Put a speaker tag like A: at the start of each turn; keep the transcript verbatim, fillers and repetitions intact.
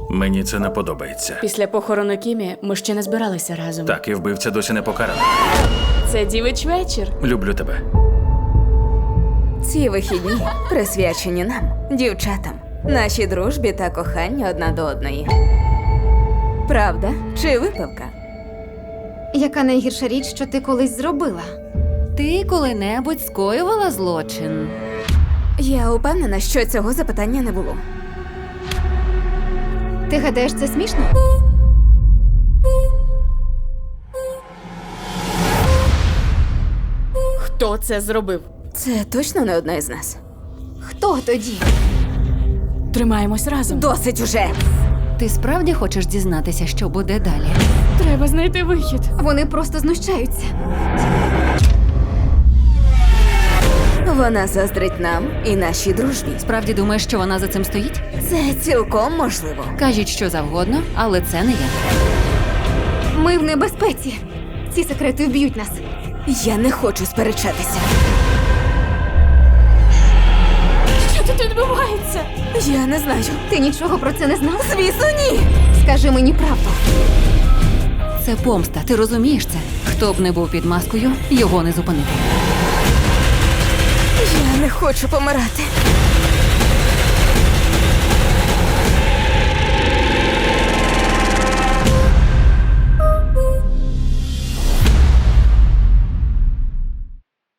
A: Мені це не подобається.
B: Після похорону Кімі ми ще не збиралися разом.
A: Так, і вбивця досі не покараний.
B: Це дівич вечір.
A: Люблю тебе.
C: Ці вихідні присвячені нам, дівчатам, нашій дружбі та коханню одна до одної. Правда чи випивка?
D: Яка найгірша річ, що ти колись зробила?
E: Ти коли-небудь скоювала злочин?
C: Я упевнена, що цього запитання не було.
D: Ти гадаєш, це смішно?
B: Хто це зробив?
C: Це точно не одна із нас.
D: Хто тоді?
B: Тримаємось разом.
C: Досить уже!
E: Ти справді хочеш дізнатися, що буде далі?
B: Треба знайти вихід.
D: Вони просто знущаються.
C: Вона заздрить нам і нашій дружбі.
E: Справді думаєш, що вона за цим стоїть?
C: Це цілком можливо.
E: Кажіть, що завгодно, але це не я.
D: Ми в небезпеці. Ці секрети вб'ють нас.
C: Я не хочу сперечатися.
B: Що тут відбувається?
C: Я не знаю.
D: Ти нічого про це не знав?
C: Звісно, ні!
D: Скажи мені правду.
E: Це помста, ти розумієш це? Хто б не був під маскою, його не зупинити.
C: Я не хочу помирати.